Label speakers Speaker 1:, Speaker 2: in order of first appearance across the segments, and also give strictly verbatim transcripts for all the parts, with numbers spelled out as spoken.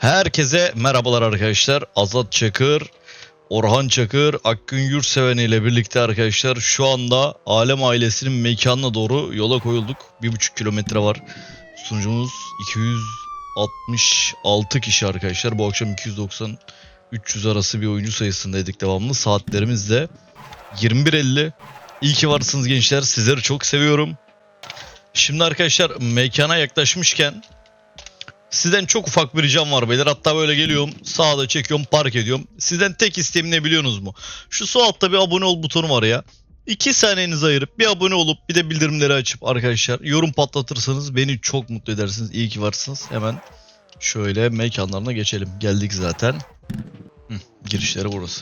Speaker 1: Herkese merhabalar arkadaşlar. Azat Çakır, Orhan Çakır, Akgün Yurtseven ile birlikte arkadaşlar şu anda Alem ailesinin mekanına doğru yola koyulduk. bir buçuk kilometre var. Sunucumuz iki yüz altmış altı kişi arkadaşlar. Bu akşam iki yüz doksan üç yüz arası bir oyuncu sayısındaydık devamlı. Saatlerimiz de yirmi bir elli. İyi ki varsınız gençler. Sizleri çok seviyorum. Şimdi arkadaşlar mekana yaklaşmışken sizden çok ufak bir ricam var beyler. Hatta böyle geliyorum, sağda çekiyorum, park ediyorum. Sizden tek isteğim ne biliyorsunuz mu? Şu sol altta bir abone ol butonu var ya. iki saniyenizi ayırıp bir abone olup bir de bildirimleri açıp arkadaşlar yorum patlatırsanız beni çok mutlu edersiniz. İyi ki varsınız. Hemen şöyle mekanlarına geçelim. Geldik zaten. Hı, girişleri burası.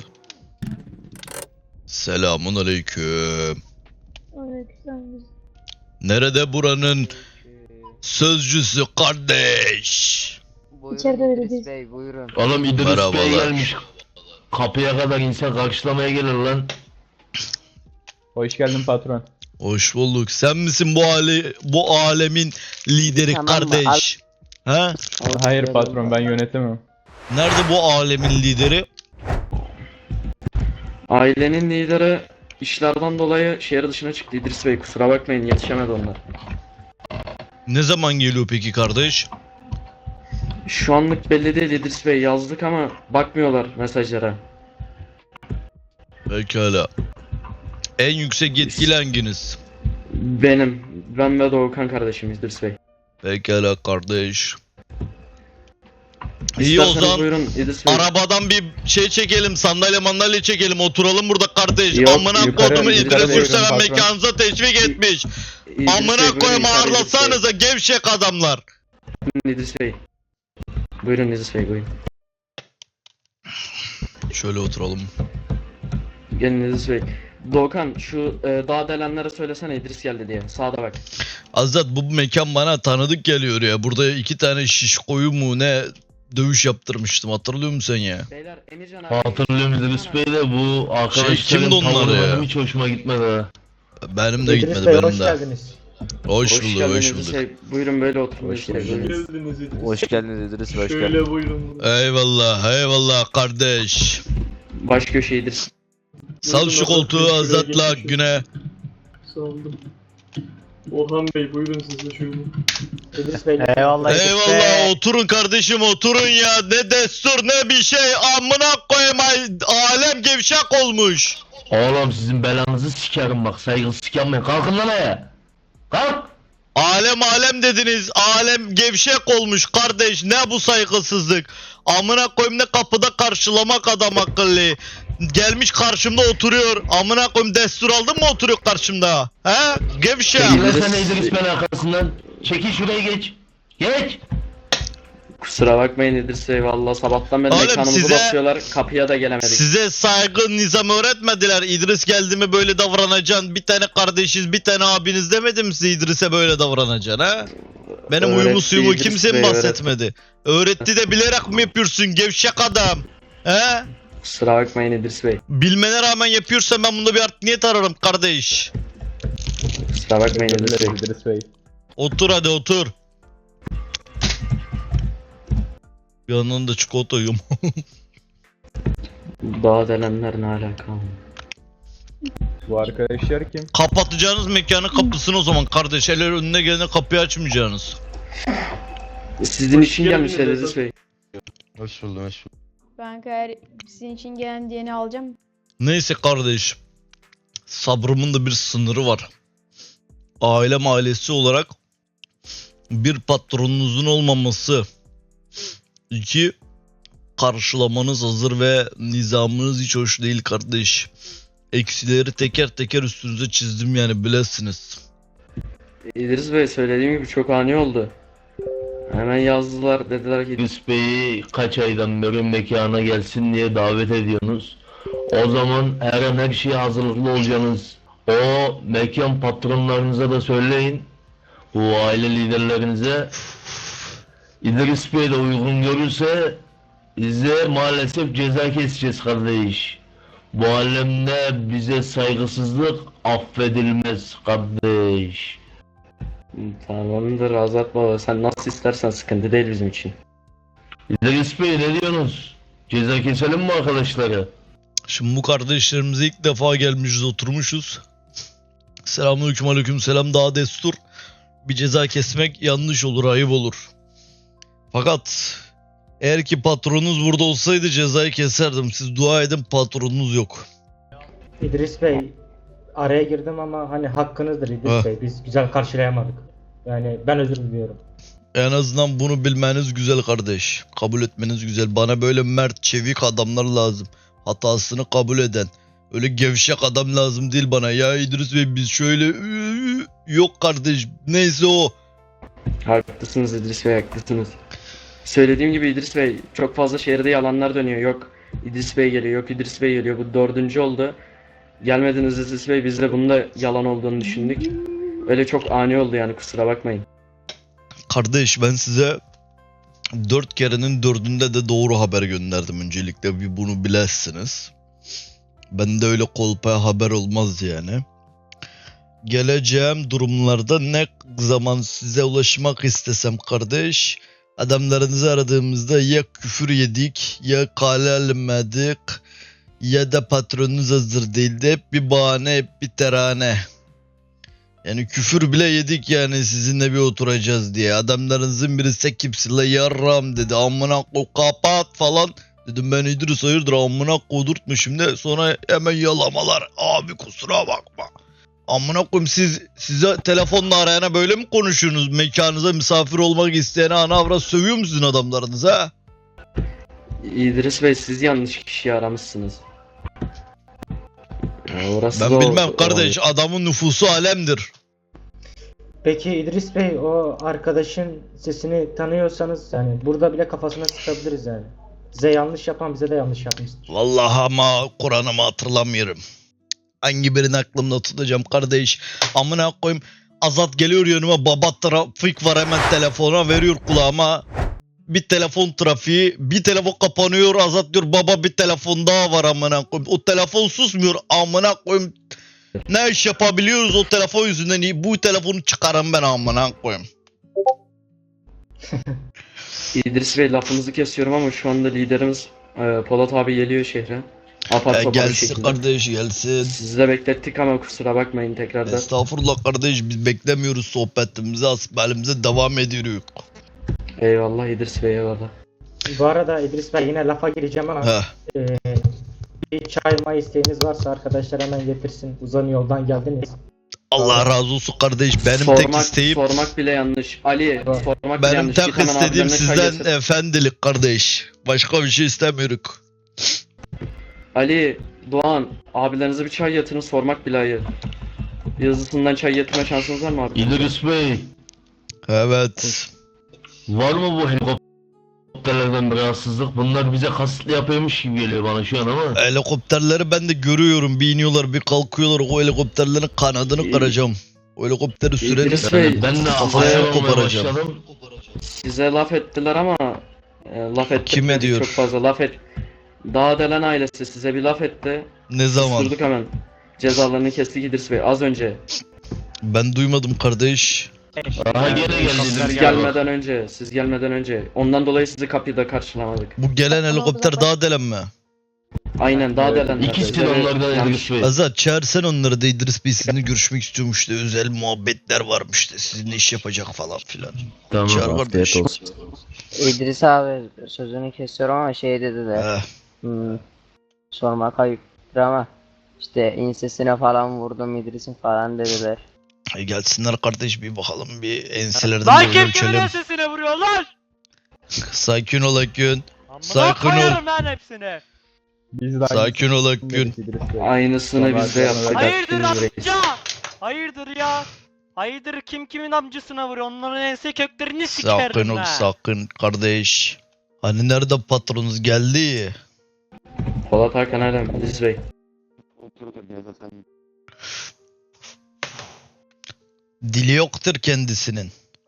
Speaker 1: Selamun aleyküm.
Speaker 2: Aleykümselam.
Speaker 1: Nerede buranın sözcüsü kardeş?
Speaker 3: Buyurun
Speaker 2: İçeride
Speaker 3: İdris
Speaker 2: vereceğiz.
Speaker 3: Bey, buyurun.
Speaker 4: Oğlum İdris Bey
Speaker 1: Merhabalar.
Speaker 4: gelmiş. Kapıya kadar insan karşılamaya gelir lan.
Speaker 5: Hoş geldin patron.
Speaker 1: Hoş bulduk. Sen misin bu ale bu alemin lideri
Speaker 3: Tamam mı?
Speaker 1: kardeş? Ha?
Speaker 5: Hayır patron, ben yönetemem.
Speaker 1: Nerede bu alemin lideri?
Speaker 6: Ailenin lideri işlerden dolayı şehir dışına çıktı İdris Bey, kusura bakmayın yetişemedi onlar.
Speaker 1: Ne zaman geliyor peki kardeş?
Speaker 6: Şu anlık belli değil İdris Bey, yazdık ama bakmıyorlar mesajlara.
Speaker 1: Pekala. En yüksek yetkili hanginiz?
Speaker 6: Benim, ben ve Doğukan kardeşim İdris Bey.
Speaker 1: Pekala kardeş. İyi o
Speaker 6: İsterseniz
Speaker 1: zaman
Speaker 6: buyurun İdris Bey.
Speaker 1: arabadan bir şey çekelim, sandalye mandalye çekelim, oturalım burada kardeş.
Speaker 6: Yok,
Speaker 1: Amına
Speaker 5: yukarı-
Speaker 1: kodumu
Speaker 5: yukarı
Speaker 1: İdris
Speaker 5: buyurun
Speaker 1: Yurtseven
Speaker 5: patron.
Speaker 1: mekanınıza teşvik etmiş.
Speaker 6: İdris Bey,
Speaker 1: Amına
Speaker 6: buyurun
Speaker 1: koyma
Speaker 6: yukarı İdris Bey.
Speaker 1: ağırlasanıza gevşek adamlar.
Speaker 6: İdris Bey. Buyurun İdris Bey, buyurun.
Speaker 1: Şöyle oturalım.
Speaker 6: Gelin İdris Bey. Doğukan şu e, dağ delenlere söylesene İdris geldi diye, sağda bak.
Speaker 1: Azat, bu mekan bana tanıdık geliyor ya. Burada iki tane şiş koyu mu ne dövüş yaptırmıştım. Hatırlıyor musun sen ya?
Speaker 6: Beyler Emircan abi.
Speaker 4: Hatırlıyorum İdris Bey de bu arkadaşların
Speaker 1: kimdi onlar
Speaker 4: tavırları
Speaker 1: ya?
Speaker 4: hiç hoşuma gitmedi ha.
Speaker 1: Benim de
Speaker 7: İdris
Speaker 1: gitmedi
Speaker 7: Bey,
Speaker 1: benim
Speaker 7: hoş
Speaker 1: de.
Speaker 7: geldiniz.
Speaker 1: Hoş,
Speaker 6: Hoş
Speaker 1: bulduk,
Speaker 6: geldiniz
Speaker 1: hoş
Speaker 6: İdris
Speaker 1: bulduk.
Speaker 6: Bey. Buyurun böyle oturun
Speaker 5: Hoş
Speaker 6: İdris Bey.
Speaker 5: geldiniz.
Speaker 6: buyurun.
Speaker 3: Hoş geldiniz İdris Bey, hoş
Speaker 7: Şöyle
Speaker 3: geldiniz.
Speaker 7: buyurun.
Speaker 1: Eyvallah, eyvallah kardeş.
Speaker 6: Baş köşe İdris.
Speaker 1: Sal şu koltuğu
Speaker 7: şuraya
Speaker 1: Azat'la
Speaker 7: geçin.
Speaker 1: güne.
Speaker 7: Sağ olun. Orhan Bey buyurun siz de şöyle. İdris Bey.
Speaker 5: Eyvallah.
Speaker 1: Eyvallah, oturun kardeşim, oturun ya. Ne destur ne bir şey. Amına koyayım, ay- alem gevşek olmuş.
Speaker 4: Oğlum sizin belanızı sikerim bak, saygısızlık yapmayın. Kalkın lan ayağa. Kalk.
Speaker 1: Alem alem dediniz. Alem gevşek olmuş kardeş. Ne bu saygısızlık? Amına koyayım, ne kapıda karşılamak adam akıllı. Gelmiş karşımda oturuyor. Amına koyayım, destur aldın mı oturuyor karşımda? He? Gevşek.
Speaker 4: Çekilsene İdris Bey'in arkasından. Çekil şuraya geç. Geç.
Speaker 6: Kusura bakmayın İdris Bey, valla sabahtan beri
Speaker 1: Oğlum
Speaker 6: mekanımızı
Speaker 1: size-
Speaker 6: basıyorlar, kapıya da gelemedik.
Speaker 1: Size saygı nizam öğretmediler. İdris geldi mi böyle davranacaksın. Bir tane kardeşiz, bir tane abiniz demedim size İdris'e böyle davranacaksın ha? Benim uyumu
Speaker 6: Öğretti
Speaker 1: suyumu
Speaker 6: İdris
Speaker 1: kimse
Speaker 6: Bey,
Speaker 1: mi
Speaker 6: öğretti.
Speaker 1: bahsetmedi? Öğretti de bilerek mi yapıyorsun gevşek adam? He?
Speaker 6: Kusura bakmayın İdris Bey.
Speaker 1: Bilmene rağmen yapıyorsan ben bunda bir art niyet ararım kardeş.
Speaker 6: Kusura bakmayın İdris Bey.
Speaker 5: İdris Bey.
Speaker 1: Otur hadi otur. Yanında da çikolata yiyorum.
Speaker 6: Dağ delenler ne alaka?
Speaker 5: Bu arkadaşlar kim?
Speaker 1: Kapatacağınız mekanın kapısını o zaman kardeş. Eller önüne gelene kapıyı açmayacaksınız.
Speaker 6: Sizin
Speaker 7: Hoş
Speaker 6: için
Speaker 7: geldiniz
Speaker 6: gelmişler
Speaker 7: efendim.
Speaker 6: İdris Bey.
Speaker 4: Hoş buldum, hoş buldum.
Speaker 2: Ben eğer sizin için gelen diyeni alacağım.
Speaker 1: Neyse kardeş. Sabrımın da bir sınırı var. Ailem ailesi olarak bir patronunuzun olmaması. İki, karşılamanız hazır ve nizamınız hiç hoş değil kardeş. Eksileri teker teker üstünüze çizdim yani, bilesiniz.
Speaker 6: İdris Bey, söylediğim gibi çok ani oldu. Hemen yazdılar, dediler ki
Speaker 4: İdris Bey'i kaç aydan beri mekana gelsin diye davet ediyorsunuz. O zaman her an her şeye hazırlıklı olacaksınız. O mekan patronlarınıza da söyleyin. Bu aile liderlerinize. İdris Bey de uygun görürse bize maalesef ceza keseceğiz kardeş. Bu alemde bize saygısızlık affedilmez kardeş.
Speaker 6: tamamdır Azat Baba, sen nasıl istersen, sıkıntı değil bizim için.
Speaker 4: İdris Bey ne diyorsunuz? Ceza keselim mi arkadaşlara?
Speaker 1: Şimdi bu kardeşlerimize ilk defa gelmişiz, oturmuşuz. Selamünaleyküm, aleyküm selam, daha destur. Bir ceza kesmek yanlış olur, ayıp olur. Fakat eğer ki patronunuz burada olsaydı cezayı keserdim. Siz dua edin, patronunuz yok.
Speaker 3: İdris Bey, araya girdim ama hani hakkınızdır İdris
Speaker 1: Ha.
Speaker 3: Bey. Biz güzel karşılayamadık. Yani ben özür diliyorum.
Speaker 1: En azından bunu bilmeniz güzel kardeş. Kabul etmeniz güzel. Bana böyle mert, çevik adamlar lazım. Hatasını kabul eden. Öyle gevşek adam lazım değil bana. Ya İdris Bey biz şöyle... Yok kardeş. Neyse o.
Speaker 6: Haklısınız İdris Bey, haklısınız. Söylediğim gibi İdris Bey, çok fazla şehirde yalanlar dönüyor. Yok İdris Bey geliyor, yok İdris Bey geliyor. Bu dördüncü oldu. Gelmediniz İdris Bey, biz de bunun da yalan olduğunu düşündük. Öyle çok ani oldu yani, kusura bakmayın.
Speaker 1: Kardeş ben size dört kerenin dördünde de doğru haber gönderdim. Öncelikle bir bunu bilesiniz. Ben de öyle kolpaya haber olmaz yani. Geleceğim durumlarda ne zaman size ulaşmak istesem kardeş, adamlarınızı aradığımızda ya küfür yedik, ya kale alınmadık, ya da patronunuz hazır değildi. Hep bir bahane, hep bir terane. Yani küfür bile yedik yani sizinle bir oturacağız diye. Adamlarınızın birisi kimsin la yarram dedi. Amına koy kapat falan. Dedim ben İdris hayırdır amına kodurtmuşum de. Sonra hemen yalamalar. Abi kusura bakma. Amına koyayım siz size telefonla arayana böyle mi konuşuyorsunuz? Mekanınıza misafir olmak isteyene ana avrat sövüyor musunuz adamlarınız ha?
Speaker 6: İdris Bey, siz yanlış kişiyi aramışsınız. Ya orası
Speaker 1: Ben
Speaker 6: da o-
Speaker 1: bilmem kardeş
Speaker 6: o-
Speaker 1: adamın nüfusu alemdir.
Speaker 3: Peki İdris Bey, o arkadaşın sesini tanıyorsanız yani burada bile kafasına sıkabiliriz yani. Size yanlış yapan bize de yanlış yapmıştır.
Speaker 1: Vallahi ama Kur'an'ımı hatırlamıyorum. Hangi birini aklımda tutacağım kardeş. Amına koyayım. Azat geliyor yanıma, baba trafik var, hemen telefona veriyor kulağıma. Bir telefon trafiği, bir telefon kapanıyor, Azat diyor baba bir telefon daha var amına koyayım. O telefon susmuyor amına koyayım. Ne iş yapabiliyoruz o telefon yüzünden, bu telefonu çıkarım ben amına koyayım.
Speaker 6: İdris Bey, lafınızı kesiyorum ama şu anda liderimiz e, Polat abi geliyor şehre. Apar
Speaker 1: Ya
Speaker 6: topar bir
Speaker 1: gelsin
Speaker 6: şekilde.
Speaker 1: kardeş gelsin.
Speaker 6: Sizi de beklettik ama kusura bakmayın tekrardan.
Speaker 1: Estağfurullah kardeş, biz beklemiyoruz, sohbetimize asbelimize devam ediyoruz.
Speaker 6: Eyvallah İdris Bey, eyvallah.
Speaker 3: Bu arada İdris Bey, yine lafa gireceğim ama
Speaker 1: Heh.
Speaker 3: e, bir çay may isteğiniz varsa arkadaşlar hemen getirsin. Uzun yoldan geldiniz.
Speaker 1: Allah razı olsun kardeş, benim
Speaker 6: sormak,
Speaker 1: tek isteğim
Speaker 6: sormak bile yanlış. Ali,
Speaker 3: Bak.
Speaker 6: sormak bile
Speaker 1: benim
Speaker 6: yanlış.
Speaker 1: tek
Speaker 6: Git hemen
Speaker 1: istediğim
Speaker 6: abilerine çay
Speaker 1: sizden
Speaker 6: getir.
Speaker 1: efendilik kardeş. Başka bir şey istemiyoruz.
Speaker 6: Ali, Doğan, abilerinize bir çay getirin, sormak bile hayır. Yazısından çay getirme şansınız var mı abi?
Speaker 4: İdris Bey,
Speaker 1: Evet.
Speaker 4: var mı bu helikopterlerden bir rahatsızlık? Bunlar bize kasıtlı yapıyormuş gibi geliyor bana şu an ama.
Speaker 1: Helikopterleri ben de görüyorum. Bir iniyorlar bir kalkıyorlar. O helikopterlerin kanadını
Speaker 6: İyi.
Speaker 1: kıracağım. O helikopteri sürelim.
Speaker 6: İdris Bey,
Speaker 4: Yani ben de
Speaker 1: kafasını
Speaker 4: ayağa olmaya
Speaker 1: koparacağım.
Speaker 4: başladım.
Speaker 6: Size laf ettiler ama e, laf ettirmedik
Speaker 1: Kim ediyor?
Speaker 6: çok fazla laf et. Dağdelen ailesi size bir laf etti.
Speaker 1: Ne zaman?
Speaker 6: Durduk hemen. Cezalarını kestik İdris Bey az önce.
Speaker 1: Ben duymadım kardeş.
Speaker 4: Aha gene geldi
Speaker 6: Siz
Speaker 4: İdris Bey.
Speaker 6: gelmeden önce, siz gelmeden önce. Ondan dolayı sizi kapıda karşılamadık.
Speaker 1: Bu gelen helikopter daha delen mi?
Speaker 6: Aynen Dağdelen.
Speaker 4: İkisi de onlardan İdris Bey.
Speaker 1: Azat çağırsan onları da, İdris Bey sizinle görüşmek istiyormuş da, özel muhabbetler varmış da, sizinle iş yapacak falan filan.
Speaker 4: Tamam.
Speaker 1: Çağır kardeş.
Speaker 8: İdris abi sözünü kesiyorum ama şey dediler.
Speaker 1: Heh.
Speaker 8: Hmm, sormak ayıptır ama işte ensesine falan vurdum İdris'in falan dediler.
Speaker 1: E gelsinler kardeş, bir bakalım, bir enselerden
Speaker 9: Lan
Speaker 1: bir
Speaker 9: kim kimin
Speaker 1: ölçelim.
Speaker 9: ensesine vuruyor lan?
Speaker 1: Sakin ol Akgün.
Speaker 9: Amına
Speaker 1: Sakin ol.
Speaker 9: koyarım lan hepsini.
Speaker 5: Biz de
Speaker 1: Sakin ol
Speaker 5: aynısını
Speaker 1: Akgün.
Speaker 5: İdris Bey.
Speaker 6: Aynısını biz de yaptık.
Speaker 9: Hayırdır
Speaker 6: Hakkınızı verin.
Speaker 9: amca? Hayırdır ya? Hayırdır, kim kimin amcasına vuruyor? Onların ense köklerini
Speaker 1: Sakın
Speaker 9: sikerim
Speaker 1: ol
Speaker 9: ha.
Speaker 1: sakın kardeş. Hani nerede patronunuz geldi?
Speaker 6: Polat Hakan Alem, İdris Bey.
Speaker 1: Dili yoktur kendisinin.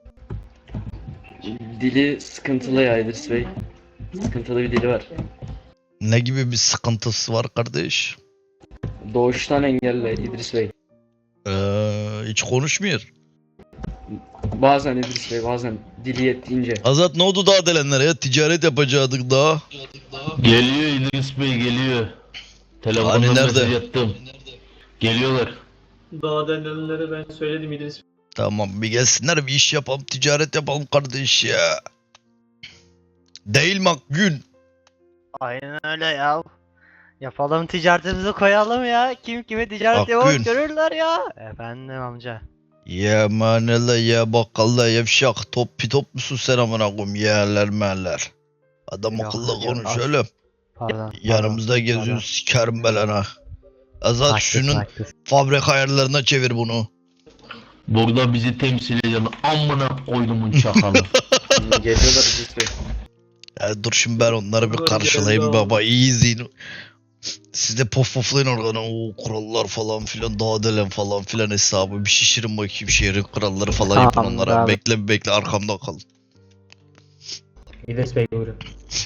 Speaker 6: Dili sıkıntılı ya İdris Bey. Sıkıntılı bir dili var.
Speaker 1: Ne gibi bir sıkıntısı var kardeş?
Speaker 6: Doğuştan engelli İdris Bey.
Speaker 1: Ee, hiç konuşmuyor.
Speaker 6: Bazen İdris Bey, bazen dili yettiğince.
Speaker 1: Azat ne oldu daha delenlere ya? Ticaret yapacaktık daha.
Speaker 4: Geliyor İdris Bey geliyor. Telefondan
Speaker 1: Hani nerede?
Speaker 4: mesaj attım. Geliyorlar.
Speaker 7: Daha denilenlere ben söyledim İdris Bey.
Speaker 1: Tamam bir gelsinler bir iş yapalım ticaret yapalım kardeş ya. Değil mi Akgün?
Speaker 9: Aynen öyle ya. Yapalım ticaretimizi koyalım ya. Kim kime ticaret
Speaker 1: Akgün.
Speaker 9: yapalım görürler ya. Efendim amca.
Speaker 1: Ya manela ya bakkala yavşak top pitop musun sen amına koyayım yerler merler. Adam
Speaker 9: Yok,
Speaker 1: akıllı
Speaker 9: yok,
Speaker 1: konuş
Speaker 9: az-
Speaker 1: öyle.
Speaker 9: Pardon.
Speaker 1: Yanımızda geziyorsun sikerim belana. Azat şunun fabrika ayarlarına çevir bunu.
Speaker 4: Burada bizi temsil eden amına koydumun çakalı.
Speaker 6: Geliyorlar İdris Bey.
Speaker 1: Ya dur şimdi ben onları bir
Speaker 7: Bunlar
Speaker 1: karşılayayım
Speaker 7: geldi
Speaker 1: baba iyi izleyin. Siz de pof poflayın oradan o kurallar falan filan daha delen falan filan hesabı bir şişirin bakayım şehrin kuralları falan yapın
Speaker 8: Tamam,
Speaker 1: onlara.
Speaker 8: bravo.
Speaker 1: Bekle bir bekle arkamda kalın.
Speaker 3: İdris Bey buyurun.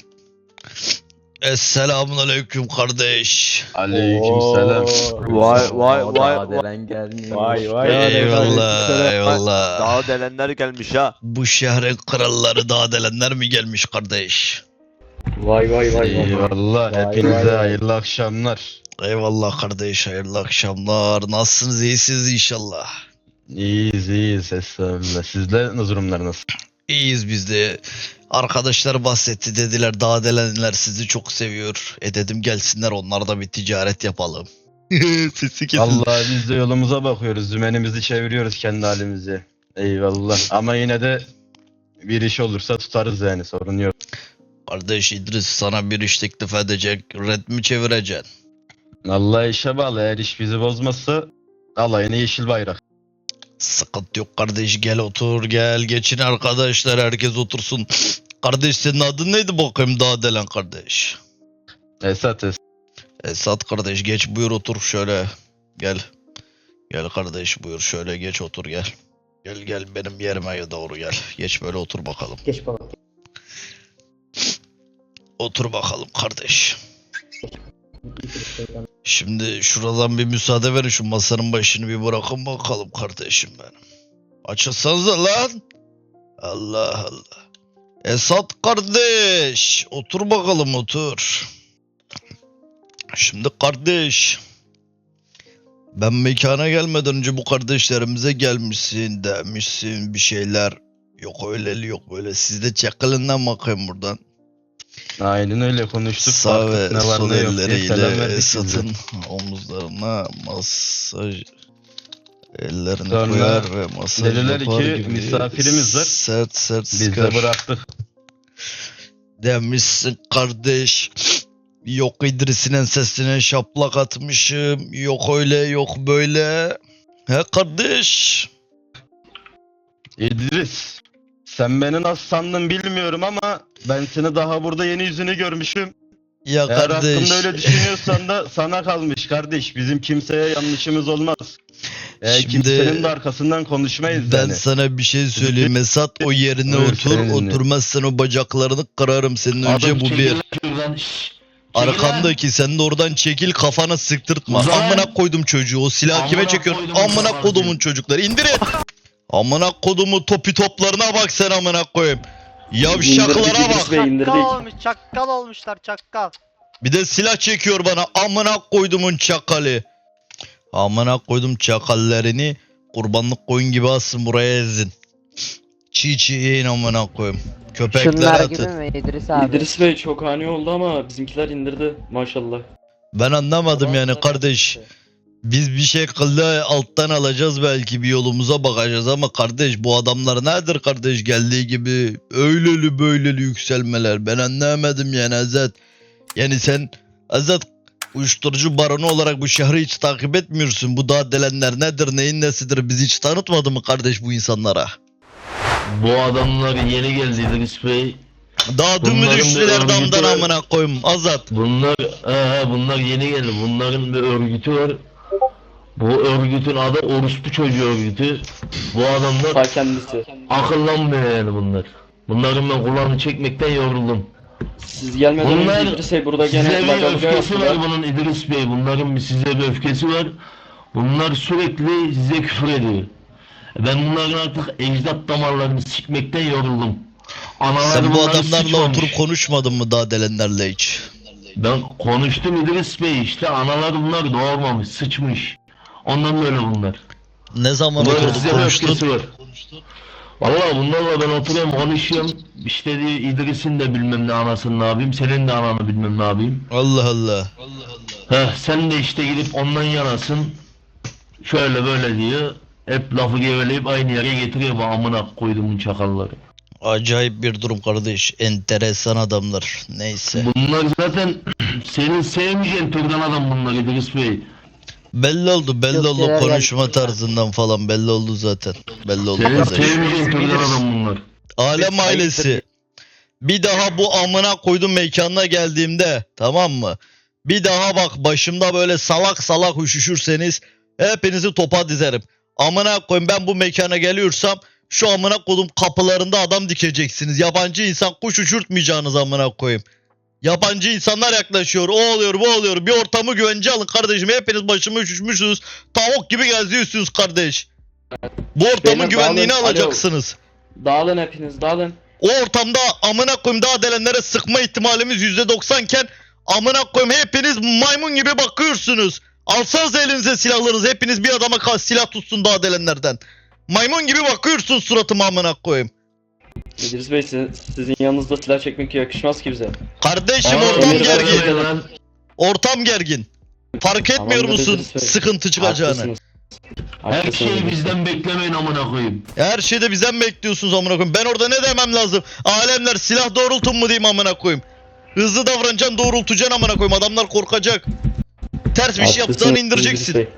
Speaker 1: Esselamun aleyküm kardeş.
Speaker 5: Aleykümselam.
Speaker 10: Vay vay vay vay.
Speaker 8: Delen gelmiş.
Speaker 5: Vay vay.
Speaker 1: Eyvallah eyvallah.
Speaker 10: Daha delenler gelmiş ha.
Speaker 1: Bu şehrin kralları daha delenler mi gelmiş kardeş?
Speaker 6: Vay vay vay vay.
Speaker 5: Vay
Speaker 11: Eyvallah.
Speaker 5: vay
Speaker 11: Hepinize
Speaker 5: vay.
Speaker 11: hayırlı akşamlar.
Speaker 1: Eyvallah kardeş hayırlı akşamlar. Nasılsınız iyisiniz inşallah.
Speaker 11: İyiyiz iyiyiz. Estağfurullah. Sizde durumlar nasıl?
Speaker 1: İyiyiz biz de. Arkadaşlar bahsetti dediler daha delenler sizi çok seviyor. E dedim gelsinler onlar da bir ticaret yapalım. Sesi kesin.
Speaker 11: Allah biz de yolumuza bakıyoruz. Dümenimizi çeviriyoruz kendi halimize. Eyvallah. Ama yine de bir iş olursa tutarız yani sorun yok.
Speaker 1: Kardeş İdris sana bir iş teklif edecek. Red mi çevireceksin?
Speaker 11: Allah işe bağlı. Eğer iş bizi bozmazsa alayına yeşil bayrak.
Speaker 1: Sıkıntı yok kardeş gel otur gel geçin arkadaşlar herkes otursun. Kardeş senin adın neydi bakayım daha delen kardeş?
Speaker 11: Esat es.
Speaker 1: Esat kardeş geç buyur otur şöyle. Gel. Gel kardeş buyur şöyle geç otur gel. Gel gel benim yerime doğru gel. Geç böyle otur bakalım.
Speaker 3: Geç baba.
Speaker 1: Otur bakalım kardeş.
Speaker 3: İdris Bey'den.
Speaker 1: Şimdi şuradan bir müsaade verin şu masanın başını bir bırakın bakalım kardeşim benim. Açılsanıza lan. Allah Allah. Esat kardeş. Otur bakalım otur. Şimdi kardeş. Ben mekana gelmeden önce bu kardeşlerimize gelmişsin demişsin bir şeyler. Yok öyle yok böyle. Siz de çakılından bakayım buradan.
Speaker 11: Aynen öyle konuştuk.
Speaker 1: Sağ ve
Speaker 11: Baktık ne var
Speaker 1: sol
Speaker 11: ne yok diye selam
Speaker 1: elleriyle
Speaker 11: verdik biz de.
Speaker 1: Esat'ın omuzlarına masaj ellerini
Speaker 11: Sonra
Speaker 1: koyar ve masaj
Speaker 11: dediler
Speaker 1: yapar
Speaker 11: ki,
Speaker 1: gibi
Speaker 11: misafirimiz var.
Speaker 1: sert sert
Speaker 11: Biz
Speaker 1: sıkar
Speaker 11: de bıraktık.
Speaker 1: demişsin kardeş. Yok İdris'in ensesine şaplak atmışım. Yok öyle yok böyle. He kardeş.
Speaker 11: İdris, sen beni nasıl sandın bilmiyorum ama ben seni daha burada yeni yüzünü görmüşüm.
Speaker 1: Ya
Speaker 11: Eğer
Speaker 1: kardeş.
Speaker 11: hakkında öyle düşünüyorsan da sana kalmış kardeş. Bizim kimseye yanlışımız olmaz. Ee,
Speaker 1: Şimdi
Speaker 11: kimsenin de arkasından konuşmayız
Speaker 1: Ben
Speaker 11: yani.
Speaker 1: sana bir şey söyleyeyim Esat o yerine
Speaker 11: Buyur,
Speaker 1: otur
Speaker 11: seni dinliyorum.
Speaker 1: oturmazsan o bacaklarını kırarım senin önce
Speaker 4: Adam
Speaker 1: bu bir.
Speaker 4: çekil şuradan, şşş. Çekil lan.
Speaker 1: Arkamdaki sen de oradan çekil kafana sıktırtma.
Speaker 4: Uzan.
Speaker 1: Amına koydum çocuğu. O silahı
Speaker 4: Amına
Speaker 1: kime çekiyorsun?
Speaker 4: koydum
Speaker 1: Amına
Speaker 4: sana
Speaker 1: kodumun
Speaker 4: diyor.
Speaker 1: çocukları. İndirin. Amına kodumu topi toplarına bak sen amına koyayım. Yavşaklara
Speaker 6: İndirdik
Speaker 1: bak.
Speaker 6: İdris Bey, indirdik.
Speaker 9: Çakkal olmuş, çakkal olmuşlar, çakkal.
Speaker 1: Bir de silah çekiyor bana. Amına koydumun çakalı. Amına koydum çakallarını. Kurbanlık koyun gibi asın buraya ezin. Çiğ çiğ yiyin amına koyayım. Köpeklere
Speaker 8: Şunlar
Speaker 1: atın.
Speaker 8: gibi mi İdris abi?
Speaker 6: İdris Bey çok ani oldu ama bizimkiler indirdi maşallah.
Speaker 1: Ben anlamadım yani kardeş. Biz bir şekilde alttan alacağız belki bir yolumuza bakacağız ama kardeş bu adamlar nedir kardeş geldiği gibi öyleli böyleli yükselmeler ben anlamadım yani Azat. Yani sen Azat uyuşturucu baronu olarak bu şehri hiç takip etmiyorsun. Bu daha delenler nedir neyin nesidir bizi hiç tanıtmadı mı kardeş bu insanlara?
Speaker 4: Bu adamlar yeni geldi İdris Bey.
Speaker 1: Daha dün mü
Speaker 4: Bunların bir
Speaker 1: düştüler
Speaker 4: örgütü
Speaker 1: damdan
Speaker 4: var.
Speaker 1: amına koyayım Azat.
Speaker 4: Bunlar he, bunlar yeni geldi. Bunların bir örgütü var. Bu örgütün adı Orospu Çocuğu örgütü. Bu adamlar
Speaker 6: Ta kendisi.
Speaker 4: akıllanmıyor yani bunlar. Bunların ben kulağını çekmekten yoruldum.
Speaker 6: Siz gelmeden
Speaker 4: Bunlar
Speaker 6: önce İdris Bey burada
Speaker 4: size
Speaker 6: gene
Speaker 4: bir
Speaker 6: lagaluga
Speaker 4: öfkesi var
Speaker 6: yaptılar.
Speaker 4: bunun İdris Bey. Bunların bir size bir öfkesi var. Bunlar sürekli size küfür ediyor. Ben bunların artık ecdat damarlarını sikmekten yoruldum. Anaları
Speaker 1: Sen bu
Speaker 4: bunları
Speaker 1: adamlarla
Speaker 4: sıçmamış.
Speaker 1: oturup konuşmadın mı daha delenlerle hiç?
Speaker 4: Ben konuştum İdris Bey, işte analar bunlar doğurmamış, sıçmış. Ondan böyle bunlar.
Speaker 1: Ne zaman
Speaker 4: Bunların
Speaker 1: oturduk
Speaker 4: size bir
Speaker 1: konuştun?
Speaker 4: öfkesi var. Vallahi bunlarla ben oturuyorum konuşuyorum. İşte diyor İdris'in de bilmem ne anasını ne yapayım, senin de ananı bilmem ne yapayım.
Speaker 1: Allah Allah.
Speaker 4: Heh, sen de işte gidip ondan yanasın. Şöyle böyle diyor. Hep lafı geveleyip aynı yere getiriyor bu amına koyduğumun çakalları.
Speaker 1: Acayip bir durum kardeş. Enteresan adamlar. Neyse.
Speaker 4: Bunlar zaten senin sevmeyeceğin türden adam bunlar İdris Bey.
Speaker 1: Belli oldu, belli
Speaker 8: Yok,
Speaker 1: oldu
Speaker 8: neler
Speaker 1: konuşma
Speaker 8: geldi.
Speaker 1: tarzından falan belli oldu zaten. Belli oldu
Speaker 4: Senin
Speaker 1: kardeş.
Speaker 4: sevmeyeceğin türden adam bunlar.
Speaker 1: Alem ailesi. Bir daha bu amına koydum mekanına geldiğimde, tamam mı? Bir daha bak başımda böyle salak salak üşüşürseniz hepinizi topa dizerim. Amına koyayım, ben bu mekana geliyorsam şu amına koydum kapılarında adam dikeceksiniz. Yabancı insan kuş uçurtmayacağınız amına koyayım. Yabancı insanlar yaklaşıyor. O oluyor, bu oluyor. Bir ortamı güvence alın kardeşim. Hepiniz başımı üşüşmüşsünüz. Tavuk gibi geziyorsunuz kardeş. Bu ortamın
Speaker 6: Beyler,
Speaker 1: güvenliğini
Speaker 6: dağılın. Alo.
Speaker 1: alacaksınız.
Speaker 6: Dağılın hepiniz dağılın.
Speaker 1: O ortamda amına koyayım daha delenlere sıkma ihtimalimiz yüzde doksan iken amına koyayım hepiniz maymun gibi bakıyorsunuz. Alsanız elinize silahlarınızı, hepiniz bir adama ka- silah tutsun daha delenlerden. Maymun gibi bakıyorsun suratıma amına koyayım.
Speaker 6: İdris Bey sizin, sizin yanınızda silah çekmek yakışmaz ki bize.
Speaker 1: Kardeşim
Speaker 4: Aa,
Speaker 1: ortam
Speaker 6: Emir
Speaker 1: gergin.
Speaker 6: Bey
Speaker 4: lan.
Speaker 1: Ortam gergin. Fark etmiyor
Speaker 6: Tamamdır
Speaker 1: musun
Speaker 6: İdris Bey.
Speaker 1: sıkıntı çıkacağını?
Speaker 6: Haklısınız.
Speaker 4: Her
Speaker 6: Haklısınız
Speaker 4: şeyi
Speaker 6: İdris Bey.
Speaker 4: bizden beklemeyin amına koyayım.
Speaker 1: Her şeyde bizden bekliyorsunuz amına koyayım. Ben orada ne demem lazım? Alemler silah doğrultun mu diyeyim amına koyayım. Hızlı davranacaksın, doğrultacaksın amına koyayım. Adamlar korkacak. Ters bir şey
Speaker 6: Haklısınız
Speaker 1: yaptığını
Speaker 6: İdris
Speaker 1: indireceksin.
Speaker 6: Bey.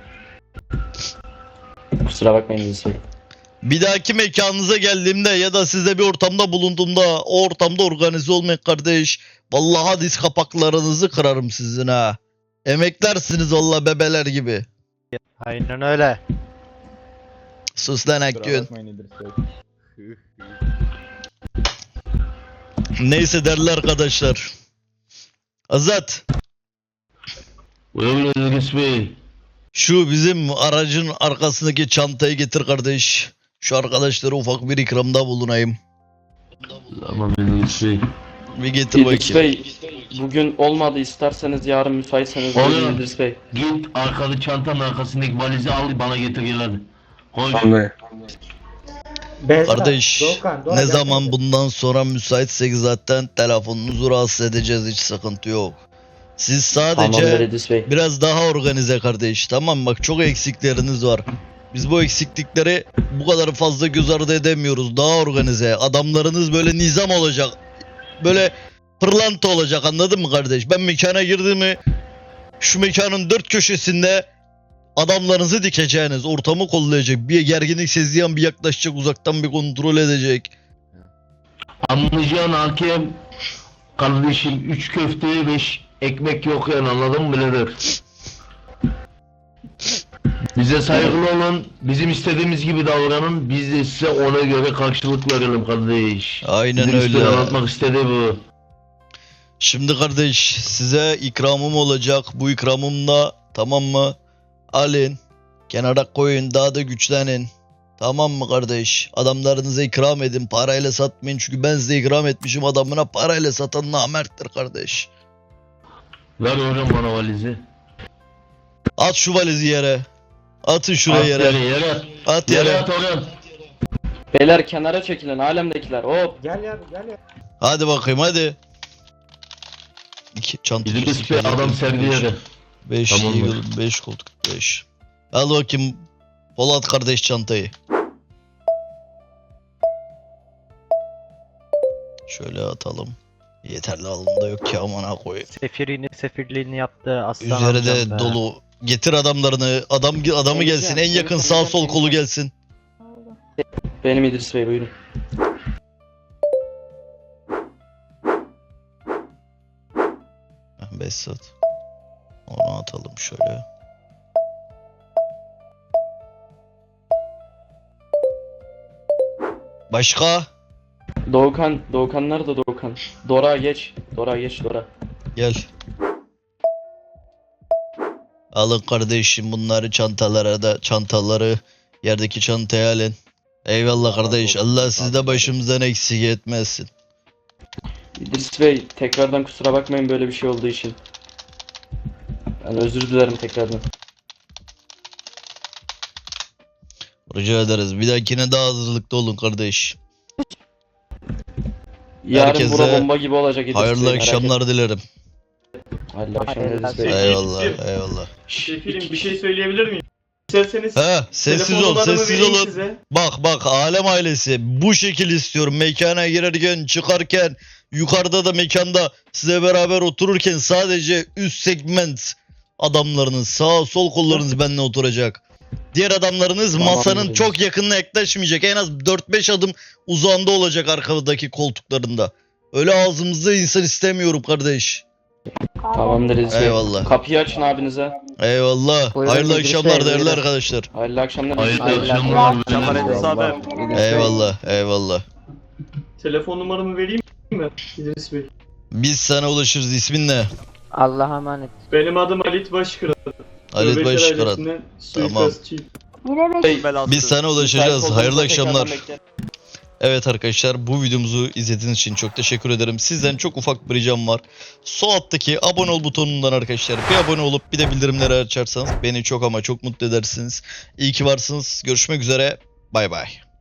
Speaker 6: Kusura bakmayın İdris Bey.
Speaker 1: Bir dahaki mekanınıza geldiğimde ya da sizde bir ortamda bulunduğumda o ortamda organize olmayın kardeş. Vallahi diz kapaklarınızı kırarım sizin ha. Emeklersiniz valla bebeler gibi.
Speaker 9: Aynen öyle.
Speaker 1: Sus lan Akgün. Neyse değerli arkadaşlar. Azat,
Speaker 4: Buyurun İdris Bey.
Speaker 1: şu bizim aracın arkasındaki çantayı getir kardeş. Şu arkadaşlara ufak bir ikramda bulunayım.
Speaker 4: Tamam İdris Bey.
Speaker 1: Bir getir
Speaker 6: İdris
Speaker 1: bakayım.
Speaker 6: Bey bugün olmadı, isterseniz yarın müsaitseniz
Speaker 4: Olur.
Speaker 6: buyurun İdris Bey.
Speaker 4: Git arkalı çantanın arkasındaki valizi al bana getir gel hadi. Koş.
Speaker 3: Behzat,
Speaker 1: Kardeş
Speaker 3: Doğukan, Dora
Speaker 1: ne
Speaker 3: gelsene.
Speaker 1: zaman bundan sonra müsaitsek zaten telefonunuzu rahatsız edeceğiz, hiç sıkıntı yok. Siz
Speaker 6: Tamamdır
Speaker 1: sadece
Speaker 6: İdris Bey.
Speaker 1: biraz daha organize kardeş, tamam mı? Bak çok eksikleriniz var. Biz bu eksiklikleri bu kadar fazla göz ardı edemiyoruz. Daha organize. Adamlarınız böyle nizam olacak. Böyle pırlanta olacak, anladın mı kardeş? Ben mekana girdiğimi şu mekanın dört köşesinde adamlarınızı dikeceğiniz, ortamı kollayacak, bir gerginlik sezdiğin bir yaklaşacak, uzaktan bir kontrol edecek.
Speaker 4: Anlayacağın hakem kardeşim üç köfteye beş ekmek yok yani anladın mı birader? Bize saygılı olun, bizim istediğimiz gibi davranın, biz de size ona göre karşılık verelim kardeş.
Speaker 1: Aynen
Speaker 4: İdris Bey
Speaker 1: öyle.
Speaker 4: anlatmak istediği bu.
Speaker 1: Şimdi kardeş size ikramım olacak. Bu ikramımla, tamam mı? Alın. Kenara koyun, daha da güçlenin. Tamam mı kardeş? Adamlarınıza ikram edin. Parayla satmayın. Çünkü ben size ikram etmişim. Adamına parayla satan namerttir kardeş.
Speaker 4: Ver hocam bana valizi.
Speaker 1: At şu valizi yere. Atın şuraya
Speaker 4: At
Speaker 1: yere.
Speaker 4: yere, yere at.
Speaker 1: At
Speaker 4: Yere
Speaker 1: yere.
Speaker 4: at hocam.
Speaker 6: Beyler kenara çekilin alemdekiler. Hop.
Speaker 3: Gel ya gel ya.
Speaker 1: Hadi bakayım hadi. İki çanta.
Speaker 4: İdris Bey adam serdi yere.
Speaker 1: beş
Speaker 4: Tamamdır.
Speaker 1: Eagle, beş koltuk, beş. Al bakayım Polat kardeş çantayı. Şöyle atalım. Yeterli alımda yok ki amına koyayım.
Speaker 9: Sefirini sefirliğini yaptı aslan
Speaker 1: Üzeri
Speaker 9: amcam
Speaker 1: de
Speaker 9: be.
Speaker 1: dolu. Getir adamlarını. Adam adamı gelsin. En yakın sağ sol kolu gelsin.
Speaker 6: Benim İdris Bey buyurun.
Speaker 1: beş saat. Onu atalım şöyle. Başka?
Speaker 6: Doğukan, Doğukan nerede Doğukan? Dora geç. Dora geç Dora.
Speaker 1: Gel. Alın kardeşim bunları çantalara da çantaları yerdeki çantaya alın. Eyvallah kardeş. Allah sizi de başımızdan eksik etmesin.
Speaker 6: İdris Bey tekrardan kusura bakmayın böyle bir şey olduğu için. Yani özür dilerim tekrardan.
Speaker 1: Rica ederiz. Bir dahakine daha hazırlıklı olun kardeş.
Speaker 6: Yarın
Speaker 1: Herkese
Speaker 6: bura bomba gibi olacak İdris Bey.
Speaker 1: Hayırlı
Speaker 6: merak
Speaker 1: akşamlar dilerim.
Speaker 6: etmeyin. Hayırlı akşamlar İdris Bey.
Speaker 7: Hayırlı
Speaker 1: Eyvallah,
Speaker 7: akşamlar.
Speaker 1: eyvallah.
Speaker 7: Şefilim bir şey söyleyebilir miyim? İsterseniz
Speaker 1: He, sessiz
Speaker 7: telefon
Speaker 1: ol,
Speaker 7: numaramı
Speaker 1: sessiz
Speaker 7: vereyim
Speaker 1: olun.
Speaker 7: size.
Speaker 1: Bak bak alem ailesi bu şekil istiyorum. Mekana girerken, çıkarken, yukarıda da mekanda size beraber otururken sadece üst segment adamlarınız, sağ sol kollarınız benimle oturacak. Diğer adamlarınız
Speaker 6: Tamam,
Speaker 1: masanın
Speaker 6: müdürüm.
Speaker 1: çok yakınına yaklaşmayacak. En az dört beş adım uzağında olacak arkadaki koltuklarında. Öyle ağzımızda insan istemiyorum kardeş.
Speaker 6: Tamamdır İdris Bey.
Speaker 1: Eyvallah.
Speaker 6: Kapıyı açın abinize.
Speaker 1: Eyvallah.
Speaker 8: Buyurun
Speaker 1: Hayırlı
Speaker 8: İdris
Speaker 1: akşamlar
Speaker 8: Bey,
Speaker 1: değerli
Speaker 8: buyurun.
Speaker 1: arkadaşlar.
Speaker 6: Hayırlı akşamlar İdris
Speaker 4: Hayırlı
Speaker 6: Bey.
Speaker 4: akşamlar.
Speaker 10: Akşamlar İdris abi.
Speaker 8: İdris Bey,
Speaker 1: Eyvallah, eyvallah.
Speaker 7: Telefon numaramı vereyim mi İdris Bey?
Speaker 1: Biz sana ulaşırız. İsmin ne?
Speaker 8: Allah'a emanet.
Speaker 7: Benim adım Halit Başkıran.
Speaker 1: Halit
Speaker 7: Nöbetçi
Speaker 1: Başkıran.
Speaker 7: ailesinden
Speaker 1: Tamam.
Speaker 7: suikastçıyım.
Speaker 10: Belası.
Speaker 1: Biz sana
Speaker 6: Müsait
Speaker 1: ulaşacağız.
Speaker 6: olduğunuzda
Speaker 1: Hayırlı
Speaker 6: tekrardan
Speaker 1: akşamlar.
Speaker 6: beklerim.
Speaker 1: Evet arkadaşlar bu videomuzu izlediğiniz için çok teşekkür ederim. Sizden çok ufak bir ricam var. Sol alttaki abone ol butonundan arkadaşlar bir abone olup bir de bildirimleri açarsanız beni çok ama çok mutlu edersiniz. İyi ki varsınız. Görüşmek üzere. Bay bay.